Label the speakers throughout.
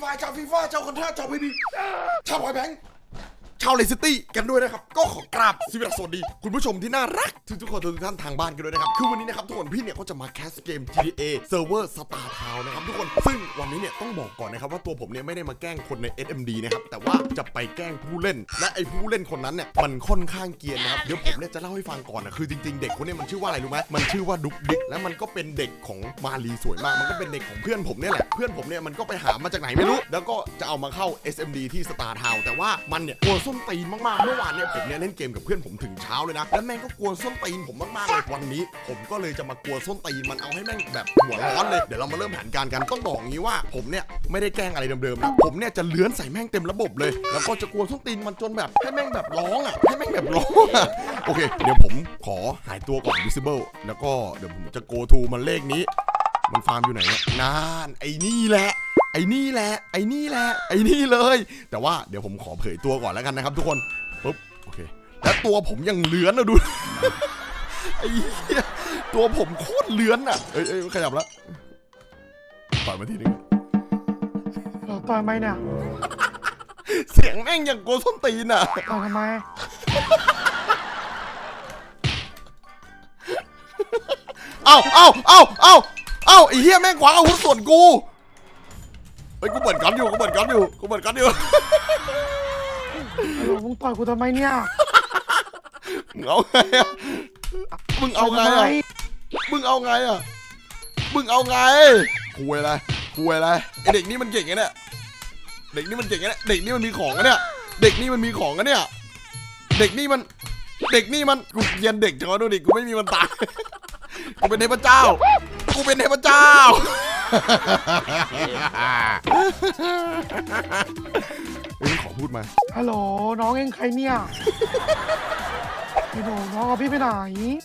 Speaker 1: ายชาวฟีฟ่าชาวคอนท่าชาวพีบีชาวไวแบงค์ชาวเลสตี้กันด้วยนะครับก็ขอกราบสวัสดีคุณผู้ชมที่น่ารักทุกคนทุกท่านทางบ้านกันด้วยนะครับคือวันนี้นะครับทุกคนพี่เนี่ยก็จะมาแคสเกม GTA Server Star Town นะครับทุกคนซึ่งวันนี้เนี่ยต้องบอกก่อนนะครับว่าตัวผมเนี่ยไม่ได้มาแกล้งคนใน SMD นะครับแต่ว่าจะไปแกล้งผู้เล่นและไอ้ผู้เล่นคนนั้นเนี่ยมันค่อนข้างเกรียนนะครับเดี๋ยวผมเนี่ยจะเล่าให้ฟังก่อนนะคือจริงๆเด็กคนนี้มันชื่อว่าอะไรรู้ไหมมันชื่อว่าดุ๊กดิ๊กและมันก็เป็นเด็กของมาลีสวยมากมันก็เป็นเด็กของเพื่อนผมเนี่ยแหละเพื่อนผมเนี่ยมันก็ไปหามาจากไหนไม่รู้แล้วก็จะเอามาเข้า SMD ที่ Star Town แต่ว่ามันเนี่ยกลัวส้นตีนมากๆเมื่อวานเนี่ยผมเนี่ยเล่นเกมกับเพื่อนผมถึงเช้าเลยนะแล้วแม่งก็กลัวส้นตีนผมมากๆเลยวันนี้ผมก็เลยจะมากลัวส้นตีนมันเอาให้แม่งแบบหัวร้อนเลยเดี๋ยวเรามาเริ่มแผนการกันต้องบอกงี้ว่าผมเนี่ยไม่ได้แกล้งอะไรเดิมๆนะผมเนี่ยจะเลื้อนใส่แม่งเต็มระบบเลยแล้วก็จะกลัวส้นตีนมันจนแบบให้แม่งแบบร้องอ่ะให้แม่งแบบร้องอ่ะโอเคเดี๋ยวผมขอหายตัวก่อน visible แล้วก็เดี๋ยวผมจะ go to มันเลขนี้มันฟาร์มอยู่ไหนเนี่ยนานไอ้นี่แหละไอ้นี่แหละไอ้นี่แหละไอ้นี่เลยแต่ว่าเดี๋ยวผมขอเผยตัวก่อนแล้วกันนะครับทุกคนปุ๊บโอเคแล้วตัวผมยังเลื้อนนะดู ไอ้เหี้ยตัวผมโคตรเลื้อนอ่ะเอ้ยขยับแล้วต่อยมาทีนึง
Speaker 2: ต่อยไหมเนี่ย
Speaker 1: เสียงแม่งอย่างโกส้นตีนอ่ะ
Speaker 2: ต่อยทำไม
Speaker 1: เอ้าไอ้เหี้ยแม่งขวางอาวุธส่วนกูเฮ้ยกูเปิดกันอยู่
Speaker 2: มึงต่อยกูทำไมเนี่ย
Speaker 1: มึงเอาไงอ่ะมึงเอาไงคุยอะไรไอเด็กนี่มันเก่งไงเนี่ยเด็กนี่มันมีของนะเนี่ยเด็กนี่มันกูเรียนเด็กจังวะดูดิกูไม่มีมันตายกูเป็นเทพเจ้าเฮ้ยขอพูดมา
Speaker 2: ฮัลโหลน้องเองใครเนี่ยไอ้โหน้องเอาพี่ไปไหน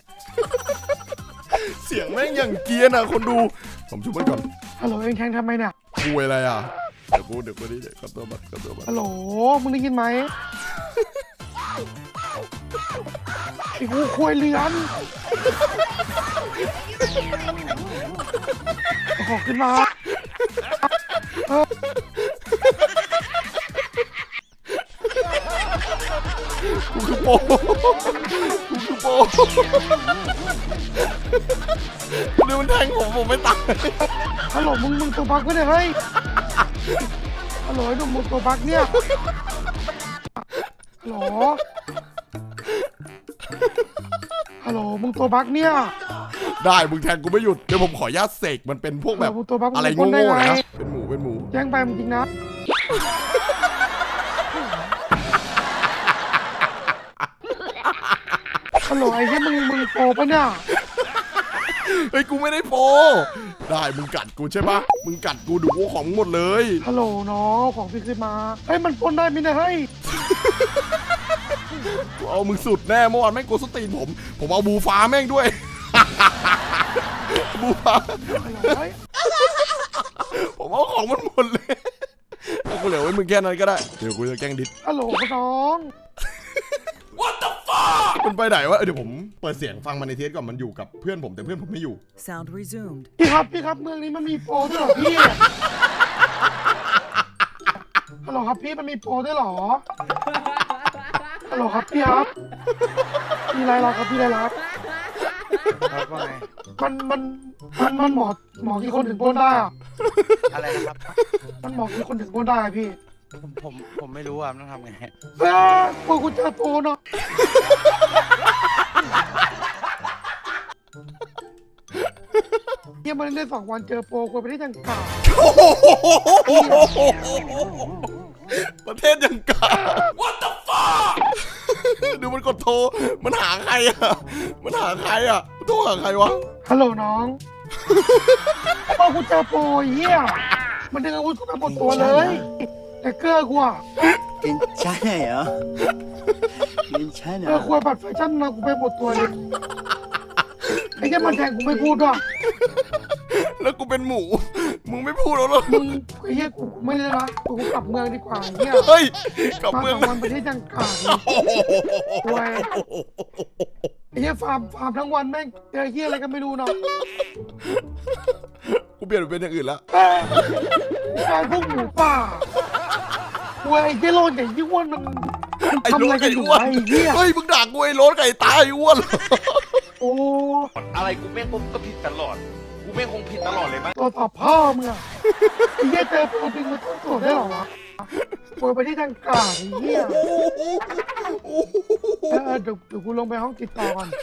Speaker 1: เสียงแม่งอย่างเกรียนอ่ะคนดูผมช่วยมันก่อน
Speaker 2: ฮัลโหลเองแทงทำไมเนี่ย
Speaker 1: คุยอะไรอ่ะเดี๋ยวกูนี่เดี๋ยวขอตัวบัตร
Speaker 2: ฮัลโหลมึงได้ยินไหมไอ้กูคุยเลือนขอขึ้นมา
Speaker 1: กูคือโปดูมันแทงผมไม่ตาย
Speaker 2: ฮัลโหลมึงตัวบักก็เนี่ยเฮ้ยฮัลโหลไอ้หนุ่มมึงตัวบักเนี่ยฮัลโหลมึงตัวบักเนี่ย
Speaker 1: ได้มึงแทงกูไม่หยุดเดี๋ยวผมขออนุญาตเสกมันเป็นพวกแบบอะไรโง่ๆนะเป็นหมู
Speaker 2: แจ้งไปจริงนะฮัลโหลไอ้ที่มึงโปปะเนี่ย
Speaker 1: เฮ้ยกูไม่ได้โปได้มึงกัดกูใช่ปะมึงกัดกูดูกูของหมดเลย
Speaker 2: ฮัลโหลน้องของพี่ขึ้นมาเฮ้ยมันปนได้ไหมเนี่ยเฮ้ย
Speaker 1: กูเอามึงสุดแน่เมื่อวานแม่งกูสตีนผมเอาบูฟ้าแม่งด้วย บูฟ้าผมเอาของมันหมดเลยเอากูเหลือไว้มึงแค่นั้นก็ได้เดี๋ยวกูจะแกล้งดิส
Speaker 2: ฮัลโหลน้อง
Speaker 1: What the fuck มันไปไหนวะเดี๋ยวผมเปิดเสียงฟังมันในเทสก่อนมันอยู่กับเพื่อนผมแต่เพื่อนผมไม่อยู่
Speaker 3: Sound resumed
Speaker 2: พี่ครับเมืองนี้มันมีโปรด้วยเหรอพี่ฮัลโหลครับพี่มันมีโปรด้วยเหรอฮัลโหลครับพี่ครับพี่ไรครับพี่ไรครับ
Speaker 4: ว่าไง
Speaker 2: มันหมอกี่คนถึงปนได้อะ
Speaker 4: อะไรนะครับ
Speaker 2: มันหมอกี่คนถึงปนได้พี่
Speaker 4: ผมไม่รู้อ่ะต้องทำไง
Speaker 2: โปรกูเจอโปรเนาะเนี่ยมันเล่น2 วันเจอโปรกูไปได้จังกา
Speaker 1: ประเทศยังกา What the fuck ดูมันกดโทรมันหาใครอ่ะโทรหาใครวะ
Speaker 2: ฮัลโหลน้องโปรกูเจอโปรเหี้ยมันดึงอาวุธกูไปหมดตัวเลยแต่เกลือกูอะ
Speaker 4: เป็นใช่เหรอเป็นใช่เหรอ
Speaker 2: กูบัตรแฟชั่นมากูไปหมดตัวเลยไอ้แค่มันแทงกูไม่พูดว่ะ
Speaker 1: แล้วกูเป็นหมูมึงไม่พูดแล้วหรอ
Speaker 2: มึงไอ้เหี้ยกูไม่เลยนะกูกลับเมืองดีกว่าเหี้ย
Speaker 1: เฮ้ยกลับเมือง
Speaker 2: มันไปที่จังกาเลยไอ้เหี้ยฟาร์มทั้งวันแม่งเจอเหี้ยอะไรก็ไม่รู้เนาะ
Speaker 1: กูเปลี่ยนเป็นอย่างอื่นแล้ว
Speaker 2: กลายพวกหมูป่าวยไอ้เหี้ยโลนไอ้ยี่อ้วนมัน
Speaker 1: ไอ้
Speaker 2: ทำ
Speaker 1: โร
Speaker 2: อะไร
Speaker 1: ถ
Speaker 2: กั
Speaker 1: ไก่
Speaker 2: นอยู่
Speaker 1: อ้วน
Speaker 2: ไอ้เหี้ย
Speaker 1: เฮ้ยมึงด่ากูไอ้โรถไก่ตายอ้วน
Speaker 2: โอ้
Speaker 3: อะไรกูแม่งก็ผิดตลอด กูแม่งคงผิดตลอดเลยมั้ง
Speaker 2: ตัวตอบพ่อมึงอะไอ้เหี้ยเจอตัวจริงมันต้องตรวจได้เหรอวะโวยไปที่ทางกลางไอ้เหี้ยเดี๋ยวกูลงไปห้องติดต่อก่อน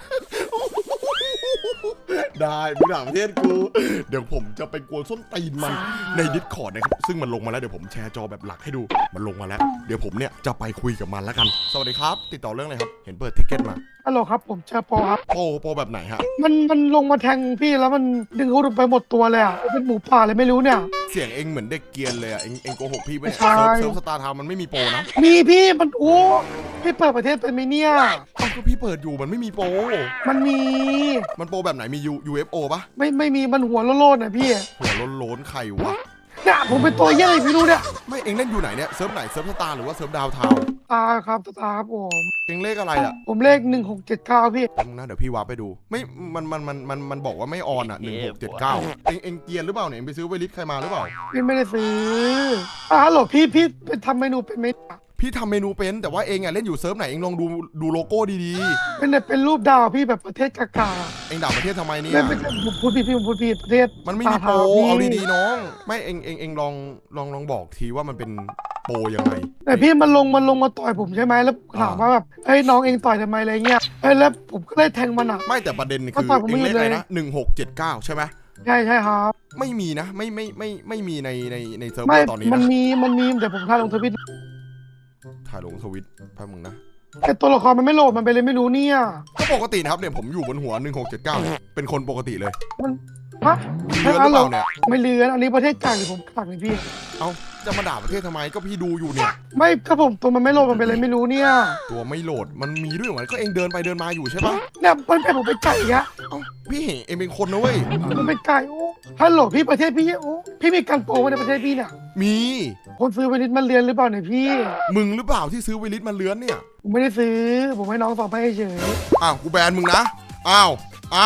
Speaker 1: ได้มึงด่าประเทศกูเดี๋ยวผมจะไปกวนส้นตีนมันในดิสคอร์ดนะครับซึ่งมันลงมาแล้วเดี๋ยวผมแชร์จอแบบหลักให้ดูมันลงมาแล้วเดี๋ยวผมเนี่ยจะไปคุยกับมันแล้วกันสวัสดีครับติดต่อเรื่องอะไรครับเห็นเปิดทิกเก็ตมา
Speaker 2: ฮัลโหลครับผมเจอโปครับ
Speaker 1: โปรแบบไหนฮะ
Speaker 2: มันลงมาแทงพี่แล้วมันดึงเขาไปหมดตัวเลยอ่ะเป็นหมูป่าเลยไม่รู้เนี่ย
Speaker 1: เสียงเองเหมือนเด็กเกรียนเลยอ่ะเองโกหกพี่ไปะเนี่ย
Speaker 2: ใช่
Speaker 1: เซิร์ฟสตาร์ทาวน์มันไม่มีโปรนะ
Speaker 2: มีพี่มันโอ้พี่เปิดประเทศเป็นไหมเนี่ย
Speaker 1: เอ้าก็พี่เปิดอยู่มันไม่มีโปร
Speaker 2: มันมี
Speaker 1: มันโปรแบบไหนมี UFO ปะ
Speaker 2: ไม่มีมันหัวโลนๆนะพี่
Speaker 1: หัวโล้นๆใครวะ
Speaker 2: เนี่ยผมเป็นตัวเหี้ยอะไรไม่รู้เนี่ย
Speaker 1: ไม่เองเล่นอยู่ไหนเนี่ยเซิร์ฟไหนเซิร์ฟสตาร์หรือว่าเซิร์ฟดาวทาวน์
Speaker 2: ตาครับตาครับผม
Speaker 1: เองเลขอะไรอ่ะ
Speaker 2: ผมเลข1679พี่
Speaker 1: แป๊บนึงนะเดี๋ยวพี่วาร์ปไปดูไม่มันบอกว่าไม่ออนอ่ะ1679เองเกรียนหรือเปล่าเนี่ยเองไปซื้อไวลิสใครมาหรือเปล่า
Speaker 2: พี่ไม่ได้ซื้อฮัลโหลพี่ไปทำเมนูเป็นไหม
Speaker 1: พี่ทำเมนูเป็นแต่ว่าเองอ่ะเล่นอยู่เซิร์ฟไหนเองลองดูโลโก้ดี
Speaker 2: เป็นรูปดาวพี่แบบประเทศกากา
Speaker 1: ๆเองด่าประเทศทำไมเนี่ย
Speaker 2: ไม่ใช่ผมพูดผิดผมพูดผิดประเทศ
Speaker 1: มันไม่มีโปร
Speaker 2: ตท
Speaker 1: เอาดีๆน้องไม่เองลองบอกทีว่ามันเป็นโปรยังไง
Speaker 2: แต่พี่มันลงมาต่อยผมใช่ไหมแล้วถามว่าแบบเอ้ยน้องเองต่อยทำไมอะไรเงี้ยเอ้ยแล้วผมก็เลยแทงมันอ่ะ
Speaker 1: ไม่แต่ประเด็นคือ
Speaker 2: มันต่อยผม
Speaker 1: เองเลขอะไร
Speaker 2: ไม่หยุดเลย
Speaker 1: นะ1679ใช่ไหม
Speaker 2: ใช่ครับ
Speaker 1: ไม่มีนะไม่มีในเซิร์ฟเว
Speaker 2: ไม่
Speaker 1: อร์ตอนนี้
Speaker 2: มัน
Speaker 1: นะ
Speaker 2: มีเดี๋ยวผมถ่ายลงทวิต
Speaker 1: ถ่ายลงทวิตแป๊บมึงนะ
Speaker 2: แต่ตัวละครมันไม่โหลดมันไปเลยไม่รู้เนี่ย
Speaker 1: ก็ปกตินะครับเนี่ยผมอยู่บนหัว1679เนี่ยเป็นคนปกติเลย
Speaker 2: มันฮะ
Speaker 1: เลือนหรือเปล่าเนี่ย
Speaker 2: ไม่เลือนอันนี้ประเทศกลางหรือผมกลางเลยพี่
Speaker 1: เอ้าจะมาด่าประเทศทำไมก็พี่ดูอยู่เนี่ย
Speaker 2: ไม่ก็ผมตัวมันไม่โหลดมันไปเลยไม่รู้เนี่ย
Speaker 1: ตัวไม่โหลดมันมีด้วยเหรอก็เองเดินไปเดินมาอยู่ใช่ปะ
Speaker 2: เนี่ยมันเป็นผมไปไก่อะ
Speaker 1: เอ้าพี่เห็นเองเป็นคนนะเว้ย
Speaker 2: มันเป็นไก่โอ้ฮัลโหลพี่ประเทศพี่โอ้พี่มีการโปรไว้ในประเทศพี่เนี่ย
Speaker 1: มี
Speaker 2: คนซื้อไปนิดมันเรียนหรือเปล่าเนี่ยพี่
Speaker 1: มึงหรือเปล่าที่ซื้อไวลิสมาเลื้อนเนี่ย
Speaker 2: ผมไม่ได้ซื้อผมให้น้องสองไปเฉย
Speaker 1: อ้าวกูแบนมึงนะอ้าว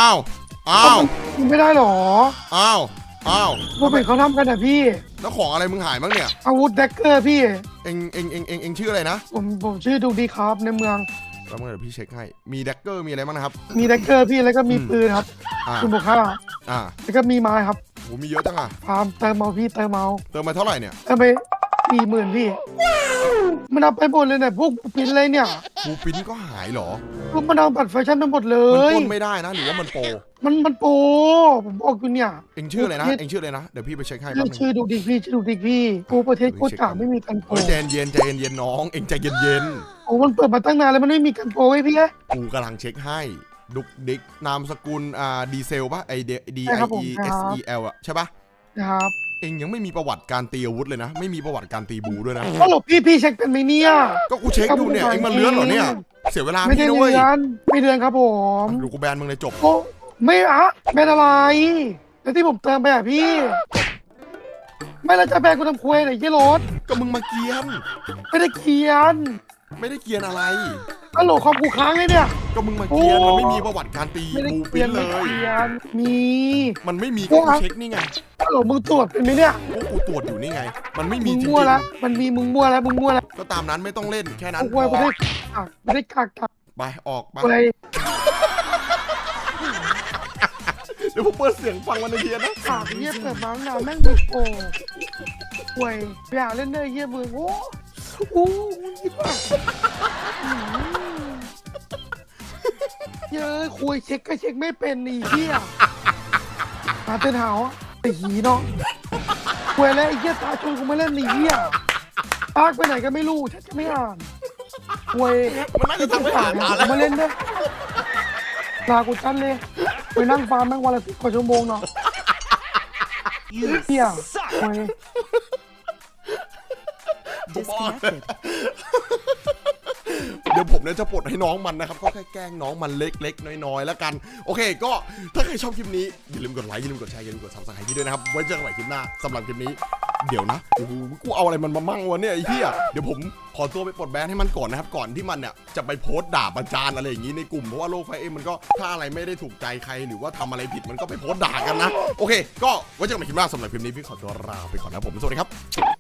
Speaker 2: ไม่ได้หรอ
Speaker 1: อ้าว
Speaker 2: ผมเห็นเขาทำกันอะพี่
Speaker 1: แล้วของอะไรมึงหายบ้างเนี่ย
Speaker 2: อาวุธแดกเกอร์พี่
Speaker 1: เองชื่ออะไรนะ
Speaker 2: ผมชื่อดูดีครับในเมือง
Speaker 1: แล้วเมื่อเดี๋ยวพี่เช็คให้มีแดกเกอร์มีอะไรบ้างนะครับ
Speaker 2: มีแดกเกอร์พี่แล้วก็มีปืนครับ
Speaker 1: อ่า
Speaker 2: คุณบุคค่า
Speaker 1: อ่า
Speaker 2: แล้วก็มีไม้ครับ
Speaker 1: โหมีเยอะจังอ่ะ
Speaker 2: ฟาร์มเติมเมาพี่เติมเมา
Speaker 1: เติมมาเท่าไหร่เนี่ย
Speaker 2: เติมไป40,000พี่ มันเอาไปหมดเลยเนี่ยพวกปินอะไรเนี่ย
Speaker 1: บูปินก็หายเหรอ
Speaker 2: พวกมันเอาบัตรแฟชั่นไปหมดเล
Speaker 1: มัน
Speaker 2: ย
Speaker 1: ปล้นไม่ได้นะหรือว่ามันโปร
Speaker 2: มันโปรผมบอกอยู่เนี่ย
Speaker 1: เองชื่ออะไรนะเองชื่ออะไรนะเดี๋ยวพี่ไปเช็คให้แป๊บนึง
Speaker 2: ชื่อดูดีพี่ชื่อดูดีพี่กูประเทศโคตรกากไม่มีกันโปร
Speaker 1: เฮ้ยใจเย็นน้องเองใจเย็น
Speaker 2: โอ้มันเปิดมาตั้งนานแล้วมันไม่มีกันโปรไว้พี่
Speaker 1: กูกำลังเช็คให้ดุกดิกนามสกุลดีเซลป่ะไอD
Speaker 2: ใช่ครับผม
Speaker 1: I E
Speaker 2: ครั
Speaker 1: S
Speaker 2: บ
Speaker 1: E L อะใช่ป่ะ
Speaker 2: นะครับ
Speaker 1: เองยังไม่มีประวัติการตีอาวุธเลยนะ ไม่มีประวัติการตีบูด้วยนะ
Speaker 2: ก็หลบพี่เช็คเป็นไหมเนี่ย
Speaker 1: ก็กูเช็คดูเนี่ยเองมาเลื้อนเหรอเนี่ยเสียเวลา
Speaker 2: ไม่ได้
Speaker 1: พี่นะเว้ย
Speaker 2: เดือนไม่เดือนครับผม
Speaker 1: ดูกูแบนมึงเลยจบ
Speaker 2: โอ้ไม่อะแบนอะไรแล้วที่ผมเติมไปอ่ะพี่ ไม่แล้วจะแบนกูทำควยไหนยี่รถ
Speaker 1: ก็มึงมาเกียน
Speaker 2: ไม่ได้เขียน
Speaker 1: ไม่ได้เกียนอะไร
Speaker 2: ฮัลโหลคอมกูค้างเลยเนี่ย
Speaker 1: ก็มึงมาเกียน
Speaker 2: โอ้
Speaker 1: มันไม่มีประวัติการตี
Speaker 2: ไม่ได้
Speaker 1: บู
Speaker 2: เขี
Speaker 1: ปิ้
Speaker 2: ย
Speaker 1: น
Speaker 2: น
Speaker 1: เล
Speaker 2: ไม่
Speaker 1: ย
Speaker 2: เขียนมี
Speaker 1: มันไม่มี
Speaker 2: โอ้
Speaker 1: ก็กูเช็คนี่ไง
Speaker 2: ฮัลโหลมึงตรวจเป็นไหมเนี่ย
Speaker 1: กูตรวจอยู่นี่ไง มันไม่มี
Speaker 2: มึง
Speaker 1: จริง
Speaker 2: มั่วแล้วมันมีมึงมั่วแล้ว
Speaker 1: ๆก็ตามนั้นไม่ต้องเล่นแค่นั้น
Speaker 2: กูควยไม่ได้กาก
Speaker 1: ไปออกไป
Speaker 2: ควย
Speaker 1: เดี๋ยวผมเปิดเสียงฟังวันในเทียนนะ
Speaker 2: กากเยี่ยเปิดมาตั้งนานแม่งดูโกควยอยากเล่นเลยเยี่ยมึงโอ้โหมึงคิดว่าเยอะคุยเช็คก็เช็คไม่เป็นนี่เหี้ยหาเต้นหาวไอ้หีเนาะคุยแล้วไอ้เหี้ยตาชวนกูมาเล่นนี่เหี้ยปากไปไหนก็ไม่รู้ฉันจะไม่อ่านคุย
Speaker 1: มันน่าจะทำให้หาตาแล้ว
Speaker 2: มาเล่นด้วยลากูจันเลยไปนั่งฟาร์มแม่งวันละ10 กว่าชั่วโมงเนาะเหี้ยคุย
Speaker 5: Disconnected.
Speaker 1: เดี๋ยวผมเนี่ยจะปลดให้น้องมันนะครับก็แค่แกล้งน้องมันเล็กๆน้อยๆแล้วกันโอเคก็ถ้าใครชอบคลิปนี้อย่าลืมกดไลค์อย่าลืมกดแชร์อย่าลืมกด Subscribe พี่ด้วยนะครับไว้เจอกันใหม่คลิปหน้าสำหรับคลิปนี้เดี๋ยวนะโอ้โหกูเอาอะไรมันมามั่งวะเนี่ยไอ้เหี้ยเดี๋ยวผมขอตัวไปปลดแบนให้มันก่อนนะครับก่อนที่มันเนี่ยจะไปโพสต์ด่าประจานอะไรอย่างนี้ในกลุ่มเพราะว่าโลกไฟเอ็มมันก็ถ้าอะไรไม่ได้ถูกใจใครหรือว่าทำอะไรผิดมันก็ไปโพสต์ด่ากันนะโอเคก็ไว้เจอกันใหม่คลิปหน้าสำหรับคลิปนี้พี่ขอตัวลาไปก่อนนะผมสวัสดีครับ